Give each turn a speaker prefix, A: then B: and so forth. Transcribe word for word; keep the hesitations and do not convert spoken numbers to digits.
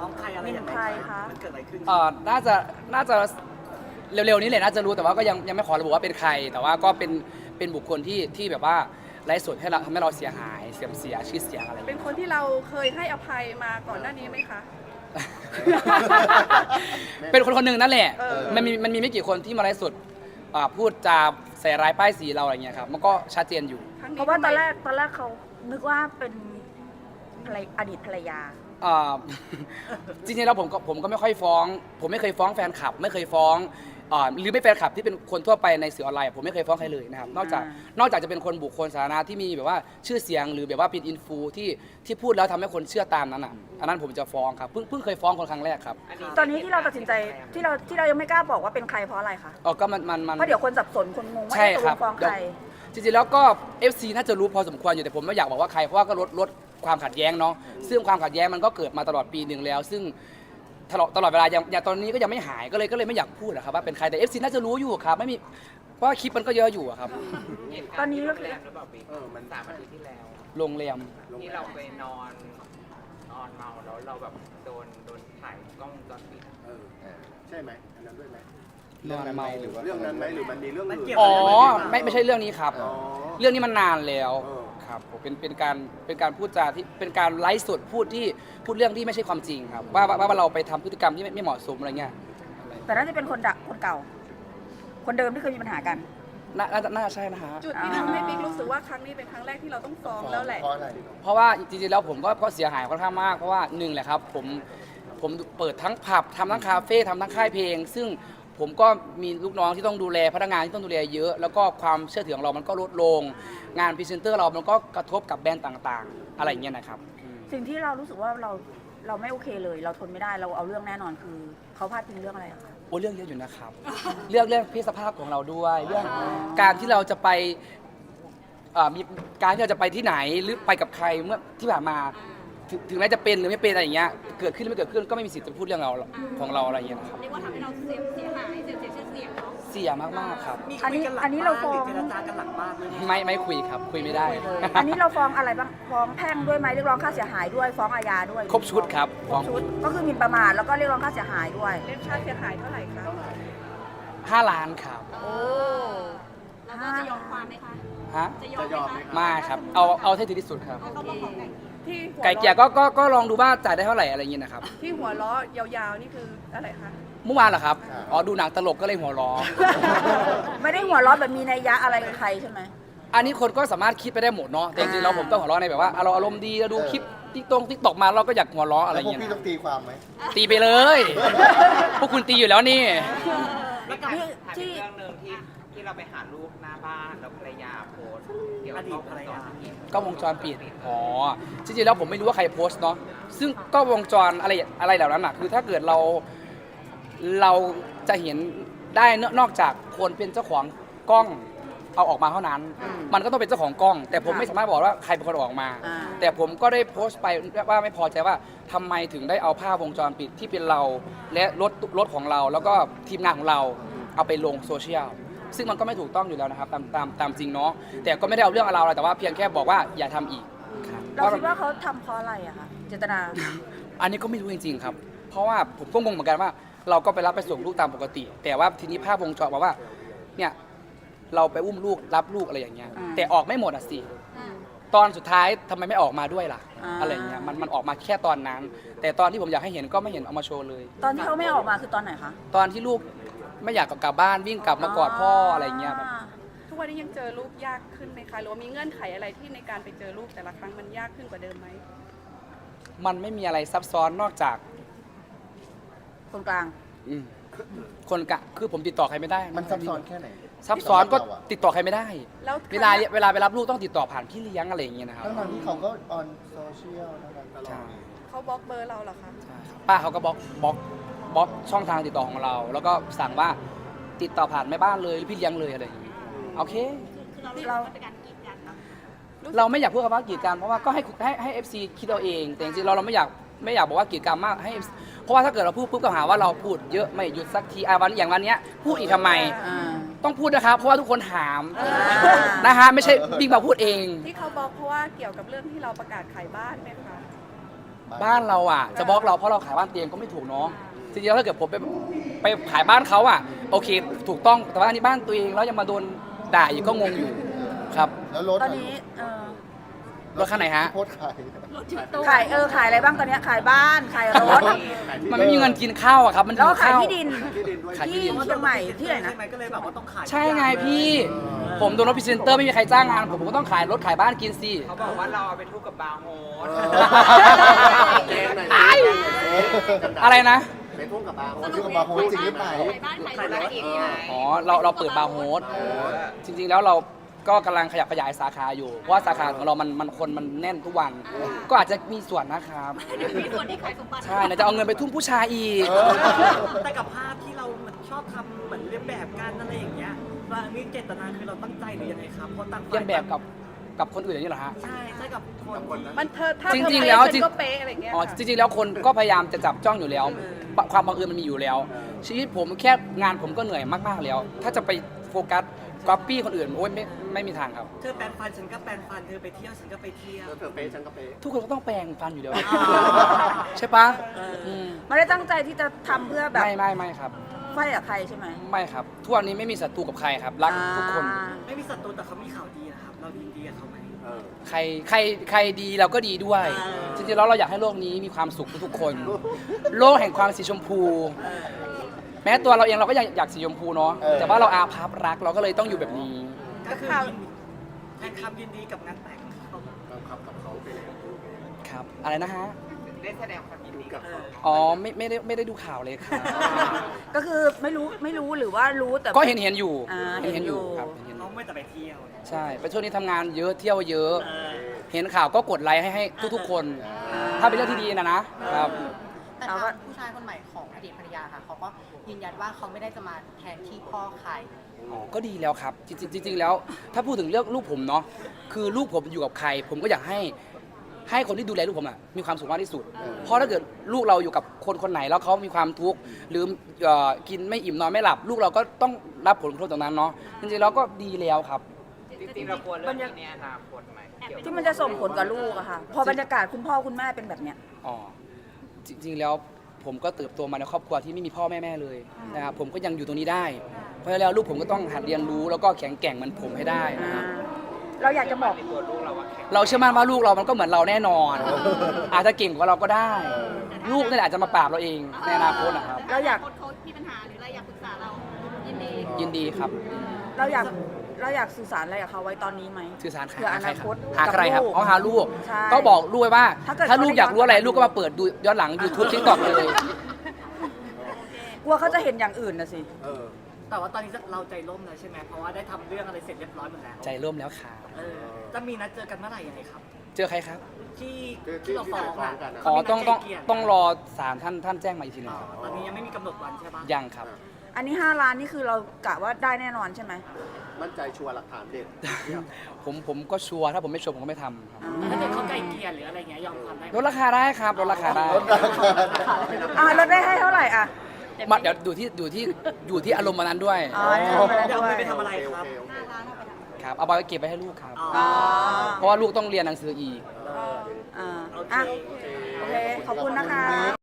A: ฟ้องใครอะไรอย่างไรคะมันเกิดอะไรขึ้น
B: เอ่อน่าจะน่าจะเร็วๆนี้เลยน่าจะรู้แต่ว่าก็ยังยังไม่ขอระบุว่าเป็นใคร แต่ว่าก็เป็นเป็นบุคคลที่ที่แบบว่าไร้ส่วนให้เราทำให้เราเสียหายเสียมเสียชื่อเสียงอะไรอย่าง
C: เป็น
B: เงี้ย
C: คนที่เราเคยให้อภัยมาก่อนหน้านี้ไหมคะ
B: เป็นคนคนหนึ่งนั่นแหละ
C: เออ
B: มันมีมันมีไม่กี่คนที่มาไร้สุดอ่าพูดจาใส่ร้ายป้ายสีเราอะไรเงี้ยครับมันก็ชัดเจนอยู่
C: ครั้ง
D: เพ
C: นี้
D: ราะว่าตอนแร
C: ทำไม
D: กตอนแรกเขานึกว่าเป็นภรรยอดีตภรรยา
B: อ่า จริงๆแล้วผมก็ผมก็ไม่ค่อยฟ้อง ผมไม่เคยฟ้องแฟนคลับ ไม่เคยฟ้องอ่าหรือไม่แฟนคลับที่เป็นคนทั่วไปในสื่อออนไลน์ผมไม่เคยฟ้องใครเลยนะครับนอกจาก
D: อ่าน
B: อกจากจะเป็นคนบุคคลสาธารณะที่มีแบบว่าชื่อเสียงหรือแบบว่าเป็นอินฟูที่ที่พูดแล้วทำให้คนเชื่อตามนั้นอ่ะอันนั้นผมจะฟ้องครับเพิ่งเพิ่งเคยฟ้องคนครั้งแรกครับ
D: ตอนนี้ที่เราตัดสินใจที่เราที่เรายังไม่กล้าบอกว่าเป็นใครเพราะอะไรคะ
B: อ๋อก็มันมันมัน
D: เพราะเดี๋ยวคนสับสนคนงงว่า
B: ใช่
D: เอ๊ะตก
B: ค
D: ล
B: รับ
D: งฟ้องใคร
B: จริงๆแล้วก็ เอฟ ซี น่าจะรู้พอสมควรอยู่แต่ผมไม่อยากบอกว่าใครเพราะว่าก็ลดลดความขัดแย้งเนาะซึ่งความขัดแย้งมันก็เกิดมาตลอดปีหนึ่งแล้ว ซึ่งตลอดตลอดเวลาอย่างอย่างตอนนี้ก็ยังไม่หายก็เลยก็เลยไม่อยากพูดอะครับว่าเป็นใครแต่ เอฟ ซี น่าจะรู้อยู่ครับไม่มีเพราะว่าคลิปมันก็เยอะอยู่อะครับ
D: ตอนนี้ก็คือ
E: แรมหรือเปล่าบิ๊ก
F: เออมัน
E: สามอาทิตย์ที่แล้ว
B: โรงแรม
E: ที่เราไปนอนนอนเมาแล้วเราแบบโดนโดนถ่ายกล้องวงจรปิดอะ
F: เออใช่ไหมอันนั้นด้วยไหม
B: เรื่องนั้นไหม
F: หรือว่าเรื่องนั้นไหมหรือมันมีเรื่องอื่น
B: อ๋อไม่ไม่ใช่เรื่องนี้ครับ
F: อ๋อ
B: เรื่องนี้มันนานแล้ว
F: เออ
B: ครับผมเป็นเป็นการเป็นการพูดจาที่เป็นการไลฟ์สดพูดที่พูดเรื่องที่ไม่ใช่ความจริงครับว่าว่าว่าเราไปทำพฤติกรรมที่ไม่ไม่เหมาะสมอะไรเงี้ยอะไร
D: แต่น่าจะเป็นคนดักคนเก่า คนเดิมที่เคยมีปัญหากัน
B: น่าน่าจะน่าใช่นะฮะ
C: จุดที่ทำให้บิ๊กรู้สึกว่าครั้งนี้เป็นครั้งแรกที่เราต้องฟ้องแล้วแหละ
F: เพราะอะไร
B: เพราะว่าจริงๆแล้วผมก็ก็เสียหายค่อนข้างมากเพราะว่าหนึ่งแหละครับผมผมเปิดทั้งผับทำทั้งคาเฟ่ทำทั้งค่ายเพลง ซึ่งผมก็มีลูกน้องที่ต้องดูแลพนักงานที่ต้องดูแลเยอะ แล้วก็ความเชื่อถือของเรามันก็ลดลง งานพรีเซนเตอร์เรามันก็กระทบกับแบรนด์ต่างๆ อะไรอย่างเงี้ยนะครับอืม
D: สิ่งที่เรารู้สึกว่าเราเราไม่โอเคเลย เราทนไม่ได้เราเอาเรื่องแน่นอนคือเขาพาดพิงเรื่องอะไรอะคะ
B: โอ้เรื่องเยอะอยู่นะครับ เรื่องเรื่องเพศสภาพของเราด้วย เรื่องการที่เราจะไปเอ่อมีการที่เราจะไปที่ไหนหรือไปกับใครเมื่อที่ผ่านมาถึงถึงแม้จะเป็นหรือไม่เป็นอะไรอย่างเงี้ยเกิดขึ้นหรือไม่เกิดขึ้นก็ไม่มีสิทธิ์จะพูดเรื่องเราของเราอะไรอย่างเงี้ยนะครับ
G: เรียกว่าทำให้เราเสียเสียหายเสียเสียชื่อเสียงเนาะ
B: เสียมากๆครับ
A: มีคุยกันหลังบ้านหรือเจรจากันหลังบ้านไหม
B: ไม่ไม่คุยครับ คุยไม่ได้
D: อันนี้เราฟ้องอะไรบ้างฟ้องแพ่งด้วยไหมเรียกร้องค่าเสียหายด้วยฟ้องอาญาด้วย
B: ครบชุดครับ
D: ครบชุดก็คือหมิ่นประมาทแล้วก็เรียกร้องค่าเสียหายด้วย
C: เรียกค่าเสียหายเท่าไหร่คะ
B: ห้าล้านครับ
D: โอ้
G: แล้วก็จะยอมความไหมคะ
B: ฮะ
G: จะยอม
F: จะ
G: ไหม
F: ยอมไหม
G: คะ
B: ไม่ครับเอาเอาให้ถึงที่สุดครับ
G: เขาบอกของไก่
C: ที่หัว
B: ไก่เกลี่ยก็ก็ก็ลองดูว่าจ่ายได้เท่าไหร่อะไรอย่างเงี้ยนะครับ
C: ที่หัวล้อยาวๆนี่คืออะไรคะ
B: เมื่อวานเหรอครับอ๋อดูหนังตลกก็เลยหัวล้อ
D: ไม่ได้หัวเร้อนแบบมีนัยยะอะไรกับใครใช่ไหม
B: อันนี้คนก็สามารถคิดไปได้หมดเนาะแต่จริงๆเราผมต้องหัวเราะในแบบว่าเราอารมณ์ดีเราดูคลิปติ๊กตงติ๊กตอกมาเราก็อยากหัวเราะอะไร
F: แล้วพวก
B: เงี้ย
F: พี่ต้องตีความไหม
B: ตีไปเลย พวกคุณตีอยู่แล้วนี่
E: บิ๊กถาม
D: ที่
E: ถาม
D: ที่
E: อีกเรื่องหนึ่งที่ที่เราไปหาลูกหน้าบ้านแล้วภรรยาโพสต์เกี่ยวกับกล้องวงจรปิด
B: ก็วงจรปิดอ๋อจริงๆแล้วผมไม่รู้ว่าใครโพสต์เนาะซึ่งก็วงจรอะไรอะไรเหล่านั้นอะคือถ้าเกิดเราเราจะเห็นได้นอกจากคนเป็นเจ้าของกล้องเอาออกมาเท่านั้น มันก็ต้องเป็นเจ้าของกล้อง แต่ผมไม่สามารถบอกว่าใครเป็นคนเอาออกมา
D: อ่า
B: แต่ผมก็ได้โพสต์ไปว่าไม่พอใจว่าทำไมถึงได้เอาภาพวงจรปิดที่เป็นเราและรถรถของเรา แล้วก็ทีมงานของเราเอาไปลงโซเชียลซึ่งมันก็ไม่ถูกต้องอยู่แล้วนะครับตามตามตามจริงเนาะแต่ก็ไม่ได้เอาเรื่องเอาราวอะไรแต่ว่าเพียงแค่บอกว่าอย่าทำอีกครับ
D: เราคิดว่าเขาทำเพราะอะไรอะคะเจตนา
B: อันนี้ก็ไม่รู้จริงๆครับ เพราะว่าผมก็งงเหมือนกันว่า เราก็ไปรับไปส่งลูกตามปกติ แต่ว่าทีนี้ภาพวงจรบอกว่าเนี่ยเราไปอุ้มลูกรับลูกอะไรอย่างเงี้ย
D: อ่า
B: แต่ออกไม่หมดอ่ะสิ
G: อืม
B: ตอนสุดท้ายทำไมไม่ออกมาด้วยล่ะ
D: อ่า
B: อะไรอย่างเงี้ยมันมันออกมาแค่ตอนนั้น แต่ตอนที่ผมอยากให้เห็นก็ไม่เห็นเอามาโชว์เลย
D: ตอนที่เขาไม่ออกมาคือตอนไหนคะ
B: ตอนที่ลูกไม่อยากกลับบ้านวิ่งกลับมากอดพ่ออะไรอย่างเงี้ยแบบ
C: ทุกวันนี้ยังเจอลูกยากขึ้นไหมคะหรือว่ามีเงื่อนไขอะไรที่ในการไปเจอลูกแต่ละครั้งมันยากขึ้นกว่าเดิมไหม
B: มันไม่มีอะไรซับซ้อนนอกจาก
D: คนกลาง
B: อืมคนกะคือผมติดต่อใครไม่ได้ะ
F: มันซับซ้อนแค่ไหน
B: ซับซ้อนก็
F: สำหรับเราอะ
B: ติดต่อใครไม่ได้
C: แล้ว
B: เวลาเวลาไปรับลูกต้องติดต่อผ่านพี่เลี้ยงอะไรอย่างเงี้ยนะครับ
F: ทั้งๆที่เขาก็ออนโซเชียลนะครับตลอ
B: ใช่
F: ด
C: เขาบล็อกเบอร์เราเหรอคะ
B: ใช่ครับป้าเขาก็บล็อกบล็อกบล็อกช่องทางติดต่อของเรา แล้วก็สั่งว่าติดต่อผ่านแม่บ้านเลยหรือพี่เลี้ยงเลยอะไรอย่างเงี้ยโอเค
G: คือเราเรียกว่าเป็นการกีดกันเนาะ
B: เราไม่อยากพูดคำว่ากีดกันเพราะว่าก็ให้ให้ให้เอฟซีคิดเอาเอง แต่จริงๆเราเราไม่อยากไม่อยากบอกว่ากีดกันมากให้ เอฟ ซี เพราะว่าถ้าเกิดเราพูดปุ๊บก็หาว่าเราพูดเยอะไม่หยุดสักทีอ่ะวันอย่างวันเนี้ยพูดอีกทำไม
D: อ่า
B: ต้องพูดนะครับ เพราะว่าทุกคนถาม
D: อ่า
B: นะฮะไม่ใช่บิ๊กมาพูดเอง
C: ที่เขาบล็อกเพราะว่าเกี่ยวกับเรื่องที่เราประกาศขายบ้านไหมคะ
B: อบ้านเราอ่ะจะบล็อกเราเพราะเราขายบ้านเตียงก็ไม่ถูกเนาะจริงๆแล้วถ้าเกิดผมไปไปขายบ้านเขาอ่ะโอเคถูกต้องแต่ว่าอันนี้บ้านตัวเองแล้วยังมาโดนด่าอีกก็งงอยู่ครับ
F: แล้วรถ
D: ตอนนี้เออ
B: รถคันไหนฮะ
F: โพสต์ขาย
D: ขายเออขายอะไรบ้างตอนเนี้ยขายบ้านขายรถ
B: มันไม่มีเงินกินข้าวอะครับมัน
D: แล้วก็ขาย
B: ข้ว
D: ที่ดิน
F: ที่ดินด้วย
B: ขายที่
D: ที่
B: ดิน
D: เชียงใหม่ที่ไหนนะ
A: ใช่ไหมก็เลยแบบว่าต้องขาย
B: ใช่ไงพี่ ผมโดนรถพรีเซนเตอร์ไม่มีใครจ้างงานผมผมก็ต้องขายรถขายบ้านกินสิ
E: เขาบอกว่าเราเอาไปทุกกับบาร์โฮส
B: อะไรนะ
F: ไปทุ่งกับบาร์โฮสที่กับบาร์โฮสจริงหรือเปล่า
G: ขายบ้านขายรถอีกไง
B: อ๋อเราเราเปิดบาร์โฮสจริงๆแล้วเราก็กำลังขยับขยายสาขาอยู่เพราะว่าสาขาของเรามันมันคนมันแน่นทุกวัน ก็อาจจะมีส่วนนะครับ
G: เดี๋ยวมีส่วนที่ขายสมบัติ
B: ใช่เราจะเอาเงินไปทุ่มผู้ชายอีก
A: แต่กับภาพที่เราเหมือนชอบทำเหมือนเลียนแบบกันอะไรอย่างเงี้ยว่านี่เจตนาคือเราตั้งใจหรือยังไงครับเพราะต่างฝ่า
B: เรียนแบบกับกับคนอื่นอย่างนี้เหรอฮะ
A: ใช่ใช่กับคน
F: คนนั้น
C: มันเธอถ้า
B: จ
C: เธอ
B: ริงๆ
C: เป๊ะ
B: แล้ว
C: ฉั
B: จริ
C: น
B: ง
C: ก็เป๊ะอะไรอย่างเงี้ย
B: อ๋อจริงๆแล้วคนก็พยายามจะจับจ้องอยู่แล้ว ความบังเอิญมันมีอยู่แล้ว ชีวิตผมแค่งานผมก็เหนื่อยมากๆแล้ว ถ้าจะไปโฟกัสก๊อปปี้คนอื่นโอ้ยไม่ไม่มีทางครับ
A: เธอแปลงฟันฉันก็แปลงฟันเธอไปเที่ยวฉันก็ไปเที่ยว
F: เธอเป๊ะฉันก็เป๊ะ
B: ทุกคนก็ต้องแปลงฟันอยู่แล้ว
A: อ่า
B: ใช่ปะม
D: ไม่ได้ตั้งใจที่จะทำเพื่อแบบ
B: ไม่ไม่ไม่ครับ
D: ไฟกับใครใช่ไหม
B: ไม่ครับทุกวันนี้ไม่มีศัตรูกับใครครับ รักทุกคน
D: อ่า
A: ไม่มีศัตรูแต่เขามีข่าวดีนะครับ เราดีดีกับเขาไหม
F: เออ
B: ใครใครใครดีเราก็ดีด้วย
A: อ่า
B: จริงๆแล้วเราอยากให้โลกนี้มีความสุขทุกๆคน โลกแห่งความสีชมพู แม้ตัวเราเองเราก็อยากอยากสีชมพูเนาะ
F: เออ
B: แต่ว่าเราอาภัพรักเราก็เลยต้องอยู่แบบนี้
A: ก็คือแทนคำยินดีกับงานแต่งเขา
F: เราขับกับเขาไปแล้ว
B: ครับ อะไรนะฮะ
E: ได้แสดงความยินดีกับเขา
B: อ๋อไม่ไม่ได้ไม่ได้ดูข่าวเลยครับ
D: ก็คือไม่รู้ไม่รู้หรือว่ารู้แต่
B: ก็เห็นเห็นอยู่
D: อ่า
B: เห็นเห็นอยู่
D: เห็นอยู่
B: ครับเห็นเห็นอ
A: เขา
B: ยู่
A: ไม่แต่ไปเที่ยว
B: ใช่ไปช่วงนี้ทำงานเยอะเที่ยวเยอะ
A: เออ
B: เห็นข่าวก็กดไลค์ให้ให้ทุกๆคน ถ้าเป็นเรื่องที่ดีนะนะครับ
H: แต่ทางผู้ชายคนใหม่ของอดีตภรรยาค่ะเขาก็ยืนยันว่าเขาไม่ได้จะมาแทนที่พ่อใคร
B: อ๋อก็ดีแล้วครับ จริงๆจริงๆแล้ว ถ้าพูดถึงเรื่องลูกผมเนาะคือลูกผมอยู่กับใคร ผมก็อยากให้ให้คนที่ดูแลลูกผมอะมีความสุขมากที่สุด เพราะถ้าเกิดลูกเราอยู่กับคนคนไหนแล้วเขามีความทุกข์หรือเอ่อกินไม่อิ่มนอนไม่หลับ ลูกเราก็ต้องรับผลกระทบตรงนั้นเนาะจริงๆแล้วก็ดีแล้วครับ
E: จริงๆเรากลัวเรื่องนี้ในอนาคตไหมเกี่ยวกับ
D: ที่มันจะส่งผลกับลูกอะค่ะ พอบรรยากาศคุณพ่อคุณแม่เป็นแบบเนี้ย
B: อ๋อจริงๆแล้วผมก็เติบโตมาในครอบครัวที่ไม่มีพ่อแม่แม่เลยนะครับผมก็ยังอยู่ตรงนี้ได้ เพราะฉะนั้นแล้วลูกผมก็ต้องหัดเรียนรู้แล้วก็แข็งแกร่งเหมือนผมให้ได้นะครับ
D: เราอยากจะบอก
E: ในตัวลูกเราว่าแข็ง
B: เราเชื่อมั่นว่าลูกเรามันก็เหมือนเราแน่นอน อาจจะเก่งกว่าเราก็ได้ ลูกนี่แหละอาจจะมาปราบเราเองในอนาคตนะครับ
D: เราอยาก
G: คนเขามีปัญหาหรืออะไรอยากปรึกษาเรา ยินดี
B: ยินดีครับ
D: เราอยากเราอยากสื่อสารอะไรกับเขาไว้ตอนนี้ไหม
B: สื่อสาร
D: เพื่อ
B: หา
D: อ
B: ใคร
D: นา
B: ค
D: ครับ ต
B: หาใครครับ
D: กับลูก
B: อ๋อหาลูก
D: ใช่
B: ก็บอกลูกไว้ว่า
D: ถ้าเกิด
B: ถ้าลูกอยากรู้อะไร
D: เขาได้
B: ลูกก็มาเปิดดูย้อนหลัง YouTube TikTok เลย
D: กลัวเขาจะเห็นอย่างอื่นนะสิ
F: เออ
A: แต่ว่าตอนนี้เราใจร่มแล้วใช่ไหมเพราะว่าได้ทำเรื่องอะไรเสร็จเรียบร้อยหมดแล้ว
B: ใจร่มแล้วค่ะ
A: เออจะมีนัดเจอกันเมื่อไหร่ยังไงครับ
B: เจอใครครับ
A: ที่
F: ที่
A: ที่เราฟ้อง
F: ที่เราฟ้องกั
A: อ่ะ
F: นอะ
B: อ๋อต้องต้อง
A: เขามีนัดไกลเกลี่ย
B: ต้องรอศาลท่านท่านแจ้งมาอีกทีหนึ
A: อ๋
B: ง
A: อ
B: ครับ
A: ตอนนี้ยังไม่มีกำหนดวันใช่ปะ
B: ยังครับ
D: อันนี้ห้าล้านนี่คือเรากะว่าได้แน่นอนใช่ไหม
F: มั่นใจชัวร์หลักฐานเด็ด
B: ผมผมก็ชัวร์ถ้าผมไม่ชัวร์ผมก็ไม่ทำครับ
A: ถ้าเกิดเขาไกลเกลี่ยหรืออะไรเงี้ยยอมความได้ไหม
B: ลดราคาได้ครับลดราคาได้
F: ลดราคาได้
D: อ่าลดได้ให้เท่าไหร่อ่ะ
B: มาเดี๋ยวดูที่ดูที่อยู่ที่อารมณ์วันนั้นด้วย
D: อ๋อเอาไปแล้ว
A: จะเอา
D: ด้ว
A: เงิ
D: ย
A: นไปทำอะไรครับ
F: โอเคโอเค
B: ครับเอาไปเก็บไปให้ลูกครับ
A: อ๋อ
D: อ๋อ
B: เพราะว่าลูกต้องเรียนหนังสืออีก
D: อ่า
A: โอเค
D: อ่ะโอเค ขอบคุณนะคะ